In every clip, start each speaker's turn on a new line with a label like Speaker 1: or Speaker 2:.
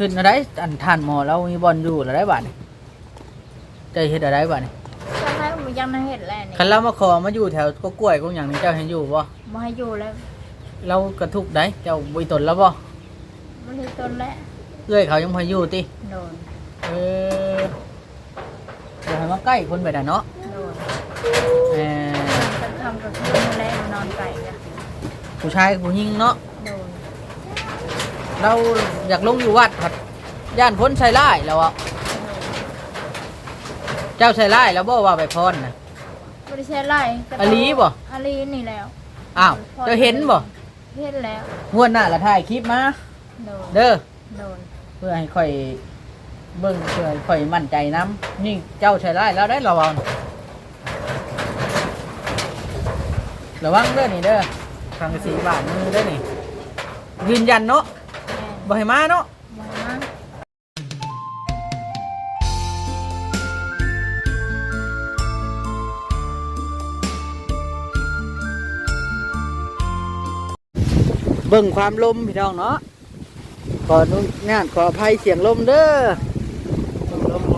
Speaker 1: ขึ้นอะไรอันท่านหมอเรามีบอลอยู่อะไรบ้านี่ใจเฮ็ดอะไรบ้านี่
Speaker 2: ใช่มันยังไม่เห็นแล้วนี่
Speaker 1: คันเรามาขอมาอยู่แถวก็กล้วยก็อย่างนี้เจ้าเห็นอยู่บ่
Speaker 2: มาให้อยู่แล้ว
Speaker 1: เรากระทุกได้เจ้าบุยตนแล้วบ่
Speaker 2: มันให้ต้นแล้ว
Speaker 1: เอื้อยเขายังพออยู่ติ
Speaker 2: โดน
Speaker 1: เออเดี๋ยวให้มาใกล้คนไปน่ะเนาะ
Speaker 2: โดน
Speaker 1: เออ
Speaker 2: จะทำกับคืนแล้วนอนไก่กัน
Speaker 1: ผู้ชายกับผู้หญิงเนาะ
Speaker 2: โดน
Speaker 1: เราอยากลงอยู่วัดผัดย่านพ้นใส่ร้ายแล้วอ่ะเจ้าใส่ร้ายแล้วบ่ว่าไปพรน่ะ
Speaker 2: บริเชไล่
Speaker 1: อลีบ่
Speaker 2: อลีนี่แล้ว
Speaker 1: อ้าวเจ้าเห็นบ่
Speaker 2: เห็นแล้ว
Speaker 1: งวดหน้าละถ่ายคลิปมา
Speaker 2: โดน
Speaker 1: เด้อ
Speaker 2: โดน
Speaker 1: เพื่อให้ค่อยเบิ่งเพื่อให้ค่อยมั่นใจน้ำนี่เจ้าใช้ได้แล้วได้ระวังระวังเด้อนี่เด้อทางสีบาทมือเด้อนี่ยืนยันเนาะ
Speaker 2: แม่
Speaker 1: บ่ให้มาเนาะ
Speaker 2: มามา
Speaker 1: เบิ่งความลมพี่น้องเนาะขออนุญาตขออภัยเสียงลมเด้อลม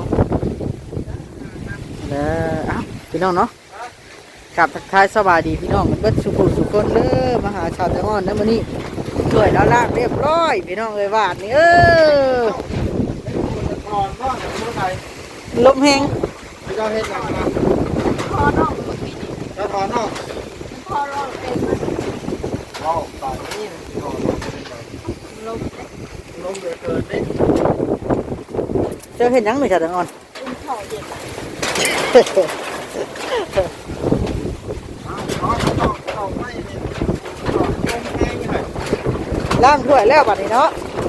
Speaker 1: เด้อเอ้าพี่น้องเนาะกลับทักทายสวัสดีพี่น้องกันเบิดสุขุสุขคนเด้อมาหาชาวตะงอนนะมื้อนี้ช่วยแล้วลากเรียบร้อยพี่น้องเอ้ยวาดนี่ลมแห้ง
Speaker 3: เจ้าเฮ็ดหยังนะ
Speaker 2: พอน้องเมื่อกี้นี่
Speaker 3: เจ้าถอนออก
Speaker 2: พอเราเป็นมัน
Speaker 3: เอาตอนนี้ถอน
Speaker 2: ลม
Speaker 3: ลมเหลือเกินนี่
Speaker 1: เจ้าเห็นยังไม่ชาวตะงอน
Speaker 2: อุ้มเข่าเย็น
Speaker 3: เอาไม่เนี่ยถอนลมแห้งยังไง
Speaker 1: ล้างถ้วยแล้วบัดนี้เนาะ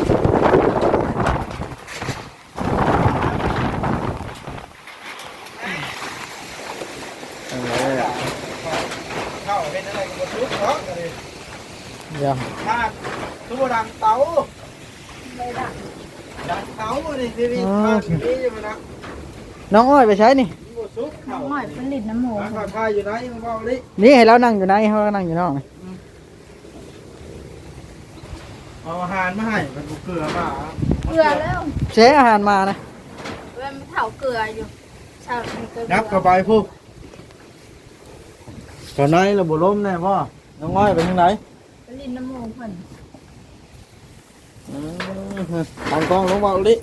Speaker 3: เข้าเป็นอะไรกันหมดทุกเนาะกันเลย
Speaker 1: เดี๋ยว
Speaker 3: ถ้าตัวดังเตา
Speaker 2: ไม่ได้
Speaker 3: ดังเตานี่ทีนี้มาทีนี้อยู่นะ
Speaker 1: น้องอ้อยไปใช้นี่
Speaker 3: หมดซุก
Speaker 2: น้อ
Speaker 3: เข้าง
Speaker 2: หน่อยผลิตน้ำหมู
Speaker 3: ข้าวทายอยู่ไหนมึงบอกดิ
Speaker 1: นี่ให้เรานั่งอยู่ไหนเขาก็นั่งอยู่นอกนี่
Speaker 3: เอาอาหารมาให้มันเกลือมา
Speaker 2: เกลือแล้ว
Speaker 1: เชอาหารมานะ
Speaker 2: เว้นไม่เผาเกลืออยู่ชาวมีเกลือ
Speaker 3: นับเข้าไปพูกตอนไหนเราบุล้มแน่พ่อน้องอ้อยไปทางไหน
Speaker 2: ผลิตน้ำหมูเพิ่น
Speaker 3: ตั้งกล้องลงมาดิ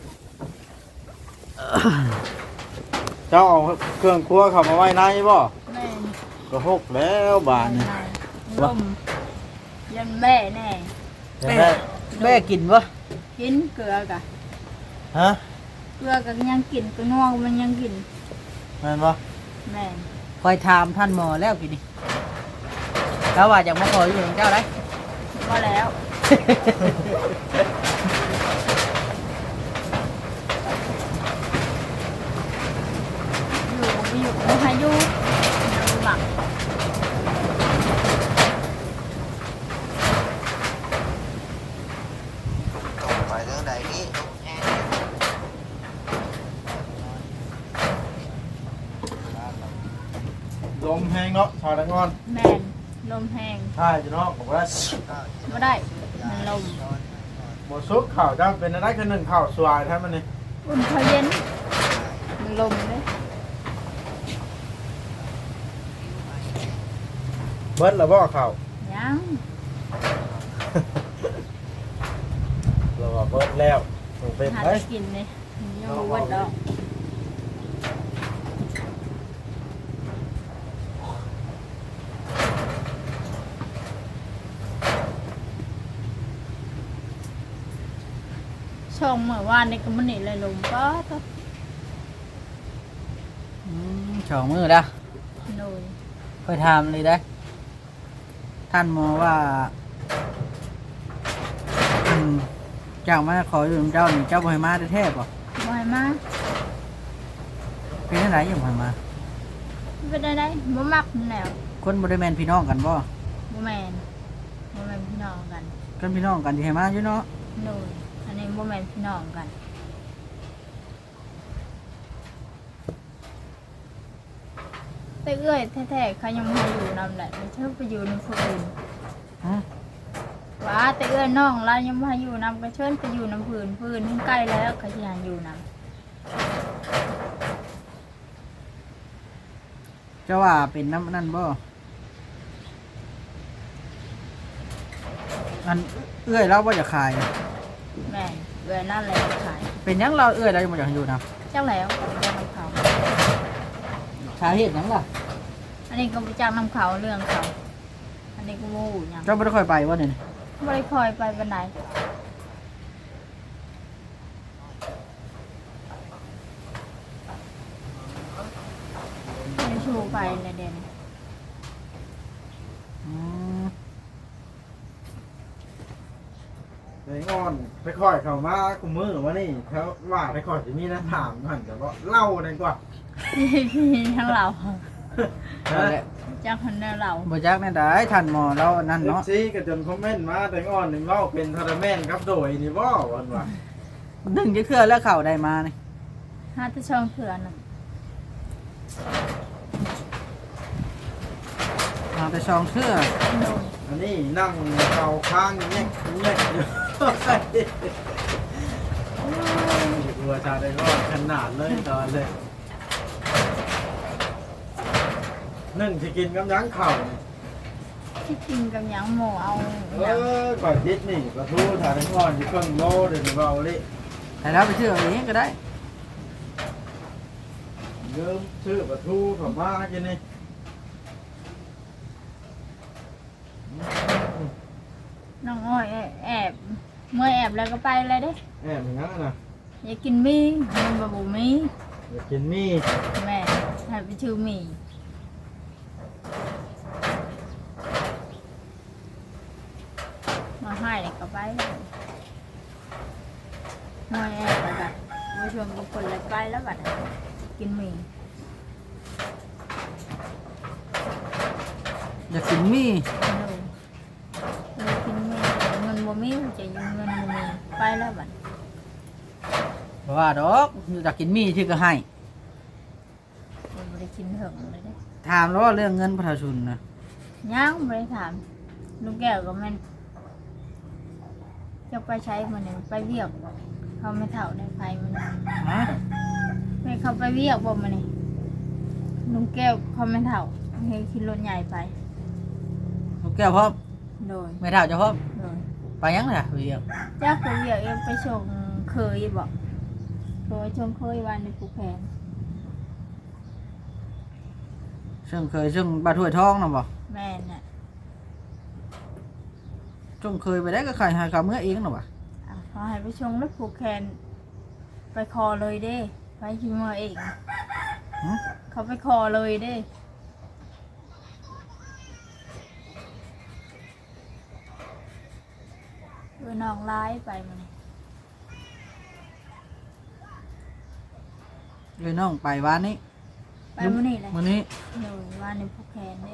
Speaker 3: เจ้าเอาเครื่องครัวเข้ามาไว้ในบ่
Speaker 2: แม่น
Speaker 3: ก็หกแล้วบานนี่
Speaker 2: ลมยันแม่แน่
Speaker 3: เห็นไหม
Speaker 1: แม่กินวะ
Speaker 2: กินเกลือกะ
Speaker 3: ฮะ
Speaker 2: เกลือกับยังกินก็นัวมันยังกิน
Speaker 3: แม่นบ่
Speaker 2: แม่น
Speaker 1: คอยถามท่านหมอแล้วกินนี่แล้วว่าอยากมาขออยู่ของเจ้าได้
Speaker 2: ก็แล้วอยู่ไม่ให้อยู่น้ำหมัก
Speaker 4: ไปเรื่องใดนี่
Speaker 3: ลมแห้งเนาะชาวตะงอน
Speaker 2: แม่นลมแห้ง
Speaker 3: ใช่จ้ะเนาะบอกว่า
Speaker 2: ไม่ได้มันลม
Speaker 3: หมดซุปข่าวจ้าเป็นอะไรคือหนึ่งข่าวสวายแท้มันนี่
Speaker 2: อุ่นเขาเย็นมันลมเลย
Speaker 3: เบิดแล้วบ่ข่าว
Speaker 2: ยัง
Speaker 3: เราว่าเบิดแล้วต้องเป็น
Speaker 2: หา
Speaker 3: ไหม
Speaker 2: กินเลยยังรู้ว่าดอกช่องเมื่อวานในกมันนี่เลยลมก็ต้อง
Speaker 1: สองมือแล้ว
Speaker 2: โดย
Speaker 1: คอยถามเลยได้ ท่านหมอว่าเจ้ามาขออยู่ของเจ้านี่เจ้าบ่ให้มาแท้ๆป่ะ
Speaker 2: บ่อยมาก
Speaker 1: เป็นอะไรอยู่บ่ให้มา
Speaker 2: เป็นได้บ่มักนั่นแหล้ว
Speaker 1: คนบ่ได้แม่นพี่น้องกันบ่
Speaker 2: บ่แมนบ่แมนพี่น้องกัน
Speaker 1: กันพี่น้องกันที่ให้มาอยู่เนาะ
Speaker 2: โดยอันนี้บ่แมนพี่น้องกันแต่เอ้ยแท้ๆเขายังมาอยู่นำแหละไม่ใช่ไปอยู่ในคนอื่น
Speaker 1: ฮะ
Speaker 2: ว่าแต่เอื้อน้องเรายังมาอยู่นำกระเชิญไปอยู่น้ำพื้นทั้งใกล้แล้วก็ยังอยู่น
Speaker 1: เจ้าว่าเป็นน้ำนั่นบ่อันเอื้อยเราบ่อยากขาย
Speaker 2: ำแม่เอื้อนั่นแหละขาย
Speaker 1: เป็นหยังเราเอื้อยเราบ่อยากอยู่นะ
Speaker 2: เจ้าแล้วก็ไปจ้างน้ำเขา
Speaker 1: สาเหตุหยังล่ะ
Speaker 2: อันนี้ก็ไปจ้างน้ำเขาเรื่องเขาอันนี้ก็โม่ยัง
Speaker 1: เจ้าบ่ได้ค่อยไปบ่เนี่ย
Speaker 2: ไม่ได้คอยไปวันไหนไม่ชูไปเลยเด่น
Speaker 1: อืม
Speaker 3: ไอ้งอนไปค่อยเข้ามากูมือว่านี่เขาว่าไปค่อยจะมีนะถามก่อนแต่ว่าเล่าดีกว่า
Speaker 2: พี่ทั้งเรา
Speaker 1: นั่นแหละ
Speaker 2: จ้างคนเดียวเรา
Speaker 1: บ่จักแน่ได้ท่านหมอเรานั่น
Speaker 3: เนาะ
Speaker 1: เนาะ
Speaker 3: ซีก็จนคอมเมนต์มาแต่งอนนี่เล่าเป็นทาราแมนครับโดยนี่บ่วันว่า
Speaker 1: ดึงจะเคลื่อแล้วเข้าได้มานี่
Speaker 2: ห้าตะช่องเถื่อนน่ะ
Speaker 1: เอาแต่ซองเสื้อ
Speaker 2: โดน
Speaker 3: อันนี้นั่งเกาค้างแยกอยู่ตัวชาได้ก็ขนาดเลยตอนเลยนึ่งที่กินกับยั้งเข่า
Speaker 2: ที่กินกับหยังหมูเอา
Speaker 3: ก่อนดิสนี่ปลาทูถ่ายได้ก่อนที่เครื่องโลเดี๋ยวเบาเลย
Speaker 1: แต่เราไปเชื่อเอาเองก็ได้
Speaker 3: เริ่มซื้อปลาทูเข้ามากินนี่
Speaker 2: น้องอ้อยแอบเมื่อแอบแล้วก็ไปเลยเด้
Speaker 3: แอบอย่างนั้นนะ
Speaker 2: อยากกินมีมันบะบูมี
Speaker 3: อยากกินมี่
Speaker 2: แม่ให้ไปชื่อมีมาให้เลยก็ไปเลยเมื่อแอบแล้วก็มาชวนกับคนเลยไปแล้วบัดนี้กินมี
Speaker 1: อยากกินมี่
Speaker 2: เลยกินมีเงินบ่มีจะยืมเงินบ่มีไปแล้วบัด
Speaker 1: เพราะว่าดอกอยากกินมี่ที่ก็ให้
Speaker 2: บ่ได้กินเถิงเลยเด้
Speaker 1: ถามแล้วว่าเรื่องเงินประชาชนนะ
Speaker 2: ยังบ่ได้ถามลูกแก้วก็แม่นจะไปใช้มันนี่ไปเวียกเขาไม่เท่าในไฟมัน
Speaker 1: ฮะ
Speaker 2: ไม่เขาไปเวียกบ่มันนี่ลุงแก้วเขาไม่เท่าให้ขี่รถใหญ่ไป
Speaker 1: ลูกแก้วพร้อม
Speaker 2: โดย
Speaker 1: ไม่เท่าจะพร้อม
Speaker 2: โดย
Speaker 1: ไปยังล่ะเรียก
Speaker 2: จ้าไปเวียกเองไปชงเคยบอกเคยชงเคยวันในภูแพง
Speaker 1: ซึ่งเคยซึ่งบาถ้วยทองนะบ่
Speaker 2: แม่น่ะ
Speaker 1: จงเคยไปได้ก็ขายหาข้าวเมื่อเองนะบ่
Speaker 2: เขาให้ไปชงแล้วผูกแขนไปคอเลยเด้ไปชิมเอง
Speaker 1: หึ
Speaker 2: เขาไปคอเลยเด้น้องร้ายไปมัน
Speaker 1: เลยน้องไปวันนี้
Speaker 2: ไปมันนี่เลย
Speaker 1: มื้อนี้
Speaker 2: โดยวันในผูกแขนเด้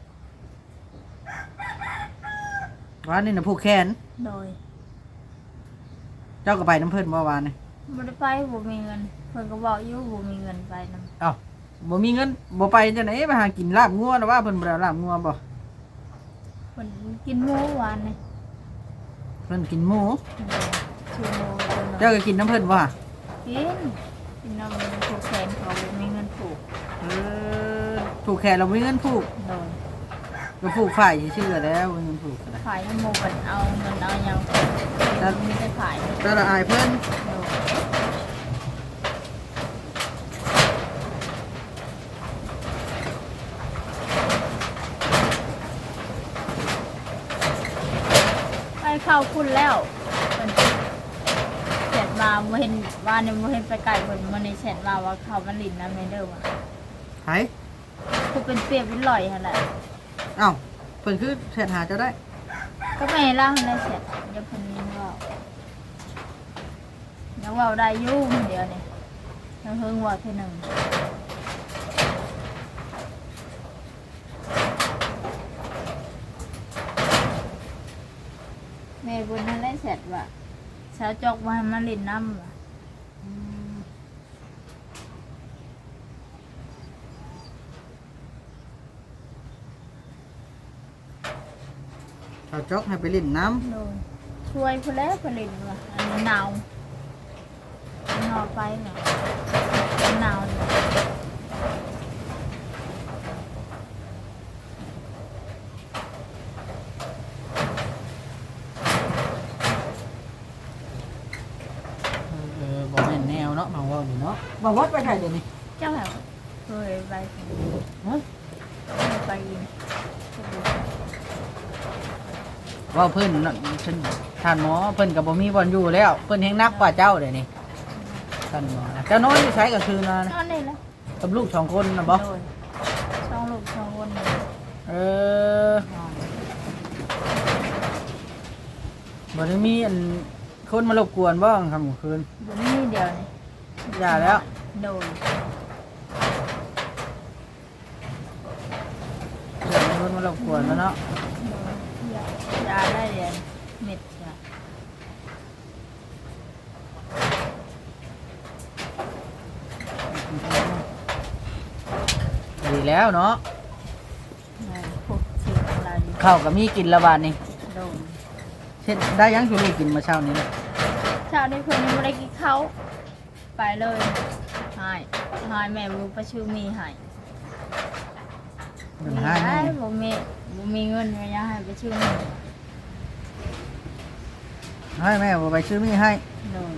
Speaker 1: วันนี้น่ะผู้แขน
Speaker 2: โดย
Speaker 1: เจ้าก็ไปน้ำเพิ่นเมื่อวานนี่
Speaker 2: บ่ได้ไปบ่มีเงินเพิ่นก็บอกอยู่บ่มีเงินไปนำ
Speaker 1: เอ้าบ่มีเงินบ่ไปจังได๋ไปหากินลาบงัวนะว่าเพิ่นบ่ได้เอาลาบงัวบ่
Speaker 2: เพิ่นกินหมูหวานนี่
Speaker 1: เพิ่นกินหมู
Speaker 2: ชูโม
Speaker 1: เจ้าก็กินน้ำเพิ่นบ่
Speaker 2: กินน้ำผูกแขนเขาบ่มีเงินผูก
Speaker 1: เออผูกแขนเราบ่มีเงินผูก
Speaker 2: โดย
Speaker 1: ก็ผูกฝ่ายชื่อๆแล้วบ่มีเงินผูกก็ได้
Speaker 2: ขายน้ำหมูกันเอาเงินเอาหยังแล้วมีแต่ขายโดย
Speaker 1: แต่ละอายเพิ่น
Speaker 2: ไปเข้าคุณแล้วเพิ่นเสร็จมาบ่เห็นว่านี่บ่เห็นไปไกลเพิ่นมื้อนี้เสร็จมาว่าเขามันลิ้นน้ำในเด้อว่ะ
Speaker 1: ไผ
Speaker 2: คือเป็นเปรียบเป็นลอยหั่นแหละ
Speaker 1: เอ้าเพิ่นคือแชทหาเจ้าได้
Speaker 2: ก็ไม่ล่างได้เสร็จเดี๋ยวเพิ่นยังเว้ายังเว้าได้อยู่คนเดียวนี่ยังเฮิงเว่าเทื่อหนึงแม่บุญนั่นได้เสร็จว่ะสาวจอกมาให้มาลิ้นน้ำว่ะ
Speaker 1: ชาวจอกให้ไปเล่นน้
Speaker 2: โดนช่วยเพื่อนแล้วผลิตว่ะอันนี้หนาวหนาวไปเนี่ยหนาวเนี่ย
Speaker 1: ำบ่แม่นแนวเนาะมาว่าอยู่เนาะบ่วัดไปไทยเดี๋ยวนี้
Speaker 2: เจ้าแบบเคยไป
Speaker 1: ฮะ
Speaker 2: ไปยิน
Speaker 1: ว่าเพิ่นน่ะฉันท่านหมอเพิ่นก็บ่มีบ่อนอยู่แล้วเพิ่นแฮงนักกว่าเจ้าเดี๋ยวนี้ท่านหมอนะเจ้านอนอยู่ไสก็คือนะ
Speaker 2: นอนนี่แหละ
Speaker 1: กับลูก2คนน่ะบ่
Speaker 2: โดนช่องลูกช่องคนเนี่ย
Speaker 1: เออบ่ได้มีอันคนมารบกวนบ่ค่ำกลางคืน
Speaker 2: เดี๋ยวนี้เดียวนี่
Speaker 1: อย่าแล้ว
Speaker 2: โดน
Speaker 1: อย่ามีคนมารบกวนแล้วเนาะ
Speaker 2: ยาได้เรียนเม็ดจ้ะ
Speaker 1: ดีแล้วเนาะ
Speaker 2: พวกสิ่งอะไรอยู่
Speaker 1: ข้าวก็มีกินละบาดนี่
Speaker 2: โดน
Speaker 1: เช่นได้ยังชูลูกกินมาเช้านี้เนี่ย
Speaker 2: เช้านี้เพื่อนยังไม่ได้กินเขาวไปเลยหายแม่รู้ประชื่อมีหาย
Speaker 1: เงิน
Speaker 2: มี
Speaker 1: ให้
Speaker 2: ได้
Speaker 1: แม่
Speaker 2: บ่มีเงินไม่ยาให้ประชื่อมี
Speaker 1: ให้แม่บ่ไปซื้อมีให้
Speaker 2: โดน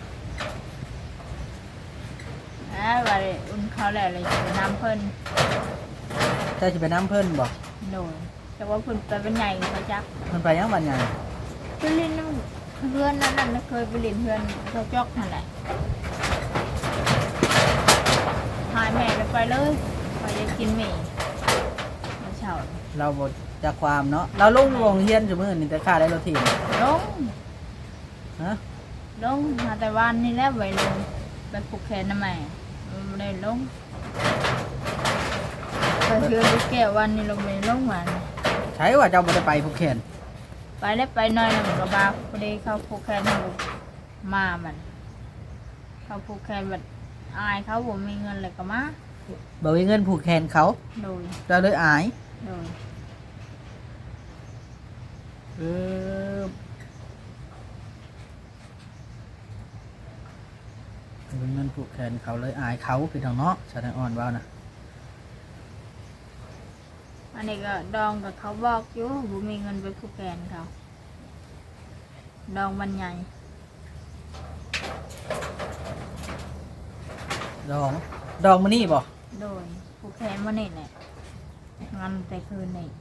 Speaker 2: ว่าเลยอุ่นเขาวแล้วเลยจะไปน้ำเพิ่น
Speaker 1: เจ้าสิไปน้ำเพิ่นบ่
Speaker 2: โดนแต่ว่าเพิ่นไปเป็นใหญ่เขาจัก
Speaker 1: เพิ่นไปยังบัดใหญ่
Speaker 2: ไปเล่นน้ำเพื่อนนั่นน่ะเคยไปเล่นเพื่อนเขาจอกนั่นแหละหายแม่เลยไปเลยไปจะกินหมี่มาเช้า
Speaker 1: เราบ่จักความเนาะเราลงโรงเรียนซุมื้อนี่แต่ค่าได้รถถีบ
Speaker 2: ลง
Speaker 1: ฮะ
Speaker 2: ลงมาแต่วันนี้แล้วไปลงไปปลูกแขนน้ำแม่ไม่ได้ลงไปเพื่อนลูกแก้ววันนี้ลงไปลงวัน
Speaker 1: ใช่ว่าเจ้าบ่ได้ไปภูเก็ต
Speaker 2: ไปแล้วไปหน่อยหนึ่งกับบาพอดีเขาปลูกแขนให้มามันเขาปลูกแขนแบบอายเขาผมมีเงินเลยก็มา
Speaker 1: บ่มีเงินผูกแขนเขา
Speaker 2: โดย
Speaker 1: เจ้าเลยอาย
Speaker 2: โดย
Speaker 1: เออบ่มีเงินผูกแขนเขาเลยอายเขาพี่น้องเนาะแสดงอ่อนว่านะ
Speaker 2: อันนี้ก็ดองกับเขาบอกอยู่ผมมีเงินไปผูกแขนเขาดองมันใหญ่
Speaker 1: ดองมื้อนี้บ่
Speaker 2: โดยผูกแขนมานี่แหละงานแต่คืนนี่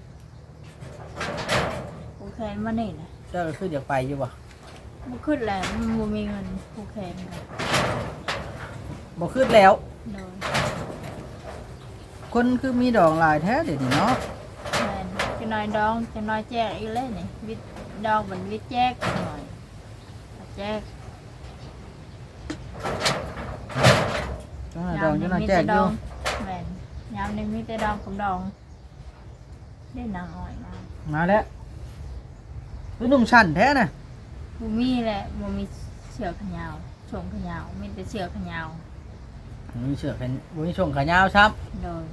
Speaker 2: ผูกแขนมานี่แหละ
Speaker 1: เจ้าก็คืออยากไปอยู่บ่
Speaker 2: มันขึ้นแล้วมันมีเงินผูกแขนกัน
Speaker 1: บ่ขึ้นแล้ว
Speaker 2: โดย
Speaker 1: คนคือมีดองหลายแท้เดี๋ยวนี้เนาะ
Speaker 2: แมนจะน้อยดองจะน้อยแจกอีกเลยนี่วิทย์ดองเหมือนวิทย์แจกหน่อยแจก
Speaker 1: จังหวะดองจังหวะแจกอยู่
Speaker 2: แมนยามนี้มีแต่ดองกับดองได้นางอ้อยมา
Speaker 1: มาแล้วคือนุ่งชั้นแท้น่ะ
Speaker 2: บูมีแหละบูมีเสือขยาวชงขยาวมีแต่เสือขยาว
Speaker 1: มีเสื้อแขนมีช่วงขายาวซับ
Speaker 2: โดย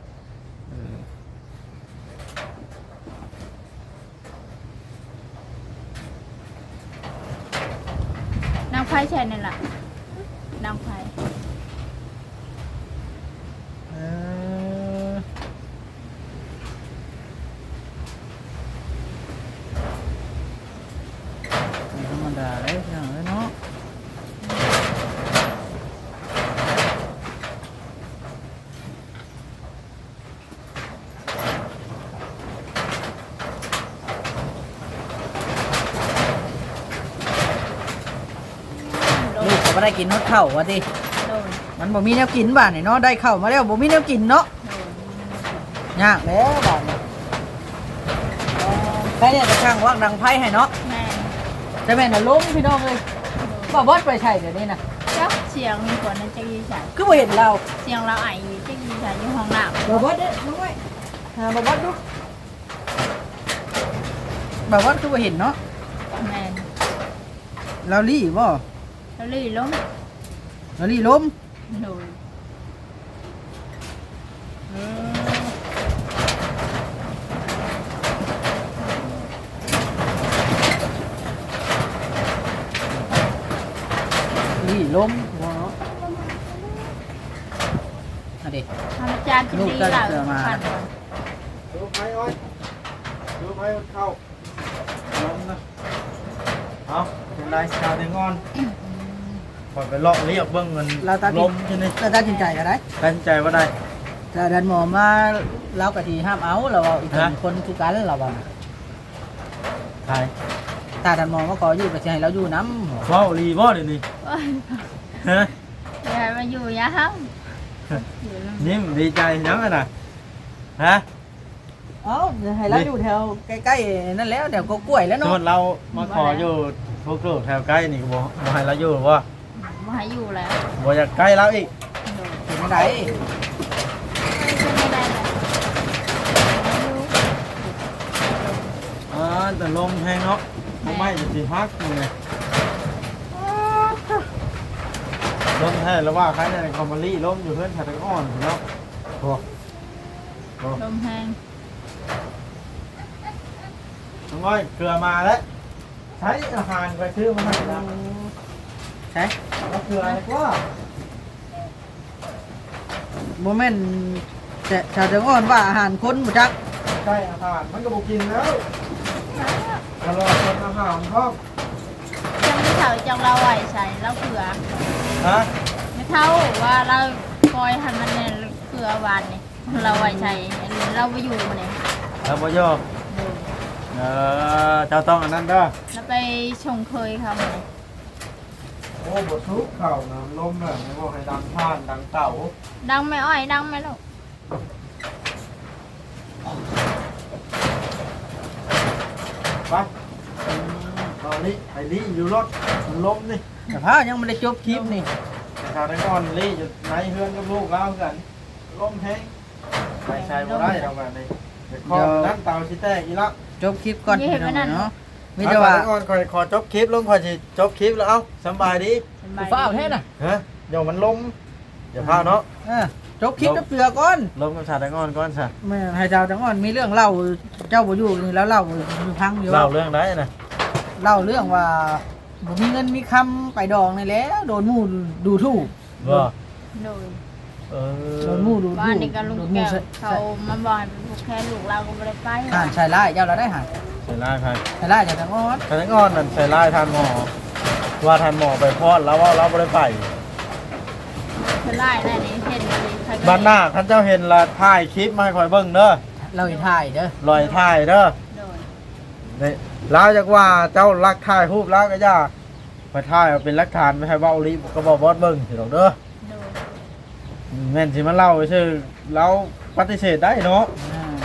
Speaker 2: นางไพ่ใช่นั่นแหละนางไพ่
Speaker 1: เออธรรมดาเลยพี่น้องเอ้ยเนาะลูกก็บ่ได้กินฮอดข้าวว่าติ
Speaker 2: โดย
Speaker 1: มันบ่มีแนวกินบ้านนี่เนาะได้ข้าวมาแล้วบ่มีแนวกินเนาะ
Speaker 2: โดย
Speaker 1: ยากแล้วบ้านนี้ใครเนี่ยจะช่างวักดังไพ่ให้เนาะ
Speaker 2: แม่
Speaker 1: จะแม่นน่ะล้มพี่น้องเลยบ่บอสไปใช่เดี๋ยวนี้นะ
Speaker 2: เจ้าเสียงมีคนนั้นจะยีใส่
Speaker 1: คือบ่เห็นเรา
Speaker 2: เสียงเราไออยู่จะยีใส่อยู่ห้องน้
Speaker 1: บ่บอสเด้อน้องไว้หาบ่บอสดูบ่บอสคือบ่เห็นเนาะ
Speaker 2: ำแม่
Speaker 1: เราลี่บ่
Speaker 2: แล้วลื่นล้ม
Speaker 1: เราลี่ล้ม
Speaker 2: โดย
Speaker 1: เลี่ล้มหัวเนาะอันนี้
Speaker 2: ทำจานจะดีล่ะขัน
Speaker 3: ดูไม้อ้อยดูไม้เข้าล้มนะเอาเป็นไรชาวแตงอนพอไปเลาะเรียกเบิ้งเงิน
Speaker 1: เราตัด
Speaker 3: ล้มใช่ไหม
Speaker 1: เราตัดสินใจกันได้
Speaker 3: ตัดสินใจว่าได้
Speaker 1: แต่ดันหมอมาเรากะทีห้ามเอาเราเอาอีก
Speaker 3: ฮะ
Speaker 1: คนคือกันเราบอก
Speaker 3: ใช่
Speaker 1: ถ้าดันหมอมาขออยู่ก็จะให้เราอยู่น้ำ
Speaker 3: ว้าวรีบ่เดี๋ยวนี้ฮะ
Speaker 2: ยายมาอยู่ยะครับ
Speaker 3: ยิ้มดีใจยังไงนะฮะ
Speaker 1: เอ้าให้เราอยู่แถวใกล้ๆนั่นแล้วแถวก็กล้วยแล้ว
Speaker 3: สม
Speaker 1: เนาะ
Speaker 3: มติเรามาขออยู่พวกลูกแถวใกล้นี่ก็บอกบ่ให้เราอยู่ว่า
Speaker 2: มาให้อยู่แล้ว
Speaker 3: บ่อยากใกล้เราอีก
Speaker 1: เป็นไง
Speaker 2: ไม่ได้เลย
Speaker 3: แต่ลมแห้งเนาะไม่จะสิฮักอยู่ไงลมแห้งแล้วว่าใครในคอมมารี่ลมอยู่เพื่อนชาตะอ่อนเนาะโอ้โห
Speaker 2: ลมแห้ง
Speaker 3: น้องอ้อยเกลือมาแล้วใช้อาหารไปซื้อมาให้เรา
Speaker 1: ใช่
Speaker 3: แล้วเกลืออะไรก็
Speaker 1: โมเมนต์แต่ชาวเดงอ่อนว่าอาหารคนบุจัก
Speaker 3: ใช่อาหารมันก็บอกกินแล้วตลอดคนอาหารพ่อ
Speaker 2: จังไม่เท่าจังเราไหวใส่เราเผื่อ
Speaker 3: ฮะ
Speaker 2: ไม่เท่าว่าเราปล่อยให้มันเนี่ยเผื่อวานนี่เราไหวใส่เราไปอยู่มาเนี่ย
Speaker 3: แล้วบ่ยอเจ้าต้องอันนั้นเด้อ
Speaker 2: แล้วไปชงเคยเขามาเนี่ย
Speaker 3: โอ้บททุกเข่านะลมแบบนี้บอกให้ดังผ่านดังเต่า
Speaker 2: ดังไหมอ้อยดังไหมลูก
Speaker 3: ไปตอนนี้ไอ้ลี่อยู่รถมันล้มนี่
Speaker 1: แต่พายังไม่ได้จบคลิปนี่
Speaker 3: ชาวไทยอ่อนลี่อยู่ในเฮือนกับลูกแล้วกันล้มแห้งไปใช้บ่ได้เราแบบนี้เดี๋ยวข้อนั้นเต่าชิแตกอีละ
Speaker 1: จบคลิปก่อนพี่น้องเนาะมี
Speaker 3: ชาว
Speaker 1: แต่
Speaker 3: ไท
Speaker 1: ว่าย
Speaker 3: อ่อนขอจบคลิปลงขอสิจบคลิปแล้วเอ้าสบายดี
Speaker 1: ฟ้าเอาแท้น่ะ
Speaker 3: ฮะเดี๋ยวมันล้มอย่าพลาดเนาะ
Speaker 1: จบคลิปแล้วเปลือกก่อน
Speaker 3: ล้มกับชาวไทยอ่อนก่อนซะ
Speaker 1: แม่ให้ชาวเดงอ่อนมีเรื่องเล่าเจ้าบ่อยู่นี่แล้วเล่าอยู่พังอยู่
Speaker 3: เล่าเรื่องได้นะ
Speaker 1: เล่าเรื่องว่าบ่มีเงินมีคำไปดองนี่แหล้วโดนหมู่ดูถูก
Speaker 3: ว่า
Speaker 2: โดย
Speaker 1: โดนหมู่ดูถูก
Speaker 2: บ้านนี้ก็ลุง
Speaker 1: โดนห
Speaker 2: แก้
Speaker 1: มู่
Speaker 2: ว
Speaker 1: ใส่
Speaker 2: เขามาบอกให้เป็นพวกแค่ลูกเราก็ไม่ได้ไป
Speaker 1: ห่านใส่ร้ายเจ้าเราได้ห่าน
Speaker 3: ใส่ลายใคร
Speaker 1: ใส่ร้ายจากทางอ้อน
Speaker 3: ชาวไทยอ่อนนั่นใส่ลายทานหมอว่าทานหมอไปพอดแล้วว่าเราไม่ได้ไป
Speaker 2: เธอไล่ได้นี่เห็นเลยใครก็
Speaker 3: บ้านหน้าท่านเจ้าเห็นละถ่ายคลิปมาให้คอยเบิ่งเด้อ
Speaker 1: เราอีถ่ายเด้อ
Speaker 3: ลอยถ่ายเด้อ
Speaker 2: โดย
Speaker 3: นี่ลาวจากว่าเจ้ารักถ่ายรูปแล้วก็ย่าไปถ่ายเอาเป็นหลักฐานไม่ให้เว้าลีก็บอกบอสเบิ่งสิดอกเด้อ
Speaker 2: โดย
Speaker 3: แม่นสิมาเล่าซื่อเราปฏิเสธได้เนาะ
Speaker 1: อ่า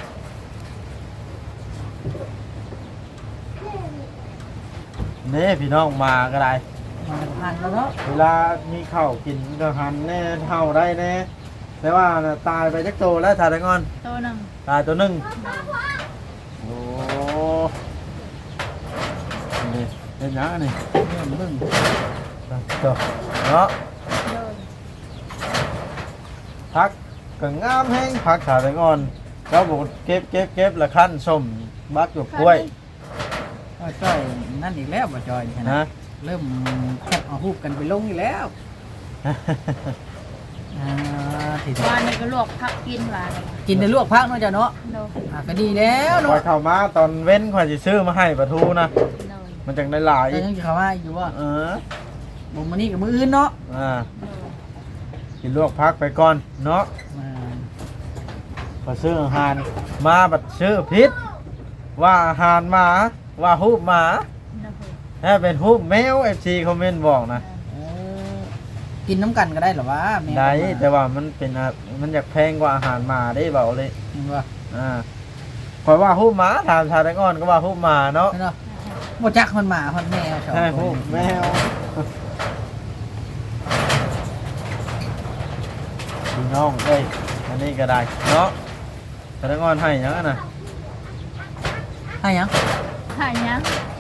Speaker 3: นี่พี่น้องมาก็ได้
Speaker 1: มันจะผ่านแล้วเนาะ
Speaker 3: เวลามีข้าวกินก็หันแน่เท่าได้แน่แต่ว่าน่ะตายไปจักโตแล้วถ่ายได้งอน
Speaker 2: ตัวหนึ่ง
Speaker 3: ตายตัวหนึงโอ้นี่เป็นหยังอันนี่
Speaker 1: เนี่ยมึง
Speaker 3: ตัวเนาะ
Speaker 2: โดย
Speaker 3: พักก็งามแห้งพักถ่ายได้งอนเราบอกเก็บละขั้นส้มบักหยวกกล้วย
Speaker 1: ก็จ้อยนั่นอีกแล้วบ่จอยนี่
Speaker 3: นะ
Speaker 1: นะเริ่มแคปเอารูปกันไปลงอีกแล้วที่
Speaker 2: บ้านนี้ก็ลวกพักกินหวานเลย
Speaker 1: กินในลวกพักเนาะจ้ะเนาะ
Speaker 2: โดย
Speaker 1: ก็ดีแล้ว
Speaker 3: คอ
Speaker 1: เนาะ
Speaker 3: ยเข้ามาตอนเว้นคอยสิซื้อมาให้ปลาทูนะ
Speaker 2: โดย
Speaker 3: มันจังได้หลาย
Speaker 1: แต่ยังจะเข้ามาอยู่ว่า
Speaker 3: เออ
Speaker 1: บ่มื้อนี้กับมื้ออื่นเนาะ
Speaker 3: อ่า
Speaker 2: โดย
Speaker 3: กินลวกพักไปก่อนเนาะ
Speaker 1: อ่า
Speaker 3: พอซื้ออาหารมาบัดซื้อพิษว่าอาหารหมาว่าฮูบหมา
Speaker 2: โดย
Speaker 3: ถ้าเป็นฮูบแมว FC คอมเมนต์บอกนะ
Speaker 1: เออกินน้ำกันก็ได้เหรอวะแม่
Speaker 3: ได้แต่ว่ามันเป็นมันอยากแพงกว่าอาหารหมาได้เบาเลย
Speaker 1: เห็นว่า
Speaker 3: คอยว่าฮูบหมาถามชาวแตงอ่อนก็ว่าฮูบหมาเนาะ
Speaker 1: เนาะบ่จักมันหมามันแมวชอบ
Speaker 3: ใช่ฮูบแมวพี่น้องเอ้ยอันนี้ก็ได้เนาะชาวแตงอ่อนให้หยังอะนะ
Speaker 1: ให้หยัง
Speaker 2: หายยัง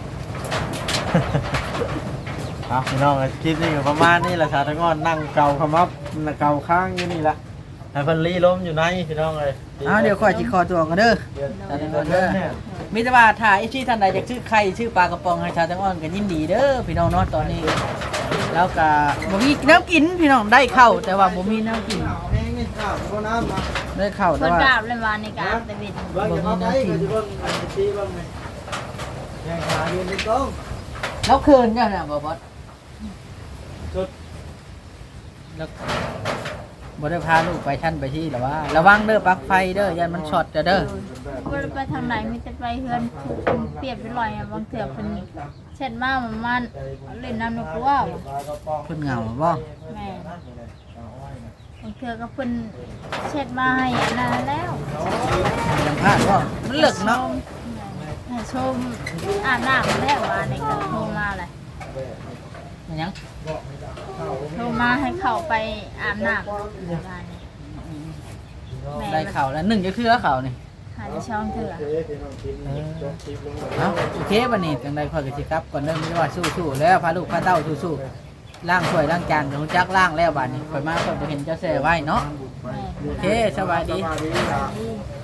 Speaker 3: ครับพี่น้องคลิปนี้ก็ประมาณนี้แหละชาวแตงอ่อนนั่งเกาขมับเกาข้างอยู่นี่ละให้เพิ่นลีล้มอยู่ในพี่น้องเลย
Speaker 1: เดี๋ยวค่อยสิขอตัวกันเด้อ
Speaker 3: เดี๋ยวเนี่ย
Speaker 1: มีแต่ว่าถ้าไอ้ที่ท่านใดอยากชื่อไข่ชื่อปลากระป๋องให้ชาวแตงอ่อนก็ยินดีเด้อพี่น้องเนาะตอนนี้แล้วก็บ่มีน้ำกินพี่น้องได้ข้าวแต่ว่าบ่มีน้ำกิน
Speaker 3: แห้งนี่ข้าวบ่น้ำมา
Speaker 1: ได้ข้าวแต่
Speaker 2: เพิ่น
Speaker 1: ว่าก
Speaker 2: ราบเลยว่าในกราบแต่เบ็ด
Speaker 3: เบิ่งจะเอาไปก็จะเบิ่งไอ้ชี้เบิ่งนี่แห้งขายืนตรง
Speaker 1: แล้วคืนเนี่ยนะบ่บอส
Speaker 3: สุด
Speaker 1: แล้วบ่ได้พาลูกไปชั้นไปที่หรอว่าระวังเด้อปลั๊กไฟเด้อยันมันช็อตเด้อ
Speaker 2: บ่ได้ไปทางไหนมีแต่ไปเฮือนเปรียบไปลอยอะบางเทื่อเพิ่นเช็ดมามันเล่นน้ำนกว่าว
Speaker 1: เพิ่นเหงาบ่
Speaker 2: แม่บางเทื่อก็เพิ่นเช็ดมาให้อันนั้นแล้ว
Speaker 1: ยังพลาดบ่มันเลิกเนาะ
Speaker 2: ให้ชมอาบน้ำแล้วว่าในกระโทรมาเลย
Speaker 1: มันยัง
Speaker 2: โทรมาให้เข้าไปอาบน้ำว่านี่แม่
Speaker 1: ได้ข่าวแล้ว1จะคือข่าวนี่
Speaker 2: หาที่ช่องเถื่อ
Speaker 1: เอ้าโอเคบัดนี้จังได๋ค่อยก็สิกลับก่อนเด้อมีว่าสู้ๆแล้วพาลูกพาเต้าสู้ๆล้างถ้วยล้างจานก็รู้จักล้างแล้วบัดนี้ค่อยมาค่อยบ่เห็นเจ้าแซ่ไว้เนาะ
Speaker 2: แม่
Speaker 1: โอเคสวัสดี
Speaker 3: สวัสดีครับ
Speaker 2: ดี